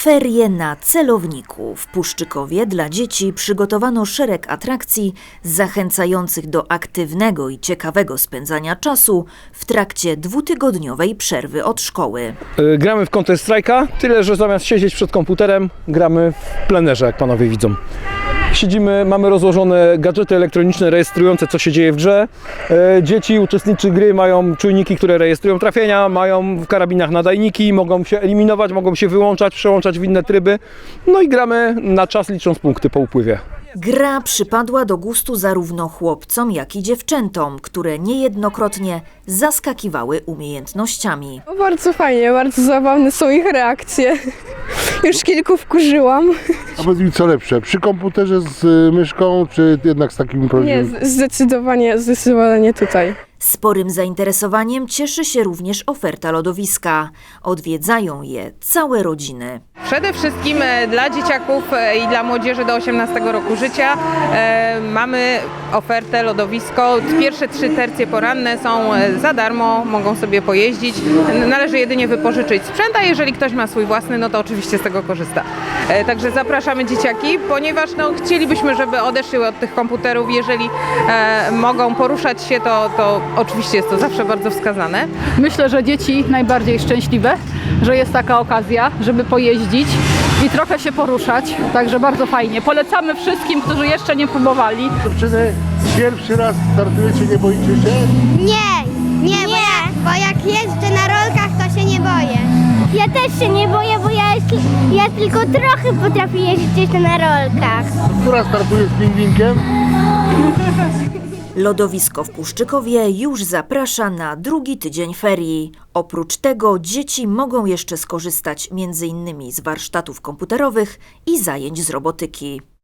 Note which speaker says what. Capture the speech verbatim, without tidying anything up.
Speaker 1: Ferie na celowniku. W Puszczykowie dla dzieci przygotowano szereg atrakcji zachęcających do aktywnego i ciekawego spędzania czasu w trakcie dwutygodniowej przerwy od szkoły.
Speaker 2: Gramy w Counter Strike'a, tyle że zamiast siedzieć przed komputerem, gramy w plenerze, jak panowie widzą. Siedzimy, mamy rozłożone gadżety elektroniczne rejestrujące, co się dzieje w grze. Dzieci, uczestnicy gry mają czujniki, które rejestrują trafienia, mają w karabinach nadajniki, mogą się eliminować, mogą się wyłączać, przełączać w inne tryby. No i gramy na czas, licząc punkty po upływie.
Speaker 1: Gra przypadła do gustu zarówno chłopcom, jak i dziewczętom, które niejednokrotnie zaskakiwały umiejętnościami.
Speaker 3: No bardzo fajnie, bardzo zabawne są ich reakcje. Już kilku wkurzyłam.
Speaker 4: A powiedz mi, co lepsze, przy komputerze z y, myszką, czy jednak z takim
Speaker 3: Nie,
Speaker 4: prawdziwym?
Speaker 3: z- zdecydowanie, zdecydowanie tutaj.
Speaker 1: Sporym zainteresowaniem cieszy się również oferta lodowiska. Odwiedzają je całe rodziny.
Speaker 5: Przede wszystkim e, dla dzieciaków e, i dla młodzieży do osiemnastego roku życia e, mamy ofertę lodowisko. Pierwsze trzy tercje poranne są e, za darmo, mogą sobie pojeździć. N- Należy jedynie wypożyczyć sprzęt, a jeżeli ktoś ma swój własny, no to oczywiście z tego korzysta. E, Także zapraszamy dzieciaki, ponieważ no, chcielibyśmy, żeby odeszły od tych komputerów. Jeżeli e, mogą poruszać się, to, to oczywiście jest to zawsze bardzo wskazane.
Speaker 6: Myślę, że dzieci najbardziej szczęśliwe, że jest taka okazja, żeby pojeździć i trochę się poruszać, także bardzo fajnie. Polecamy wszystkim, którzy jeszcze nie próbowali.
Speaker 4: Dziewczyny, pierwszy raz startujecie, nie boicie się?
Speaker 7: Nie, nie, Bo, ja, bo jak jeżdżę na rolkach, to się nie boję. Ja też się nie boję, bo ja, ja tylko trochę potrafię jeździć na rolkach.
Speaker 4: Która startuje z pingwinkiem?
Speaker 1: Lodowisko w Puszczykowie już zaprasza na drugi tydzień ferii. Oprócz tego dzieci mogą jeszcze skorzystać między innymi z warsztatów komputerowych i zajęć z robotyki.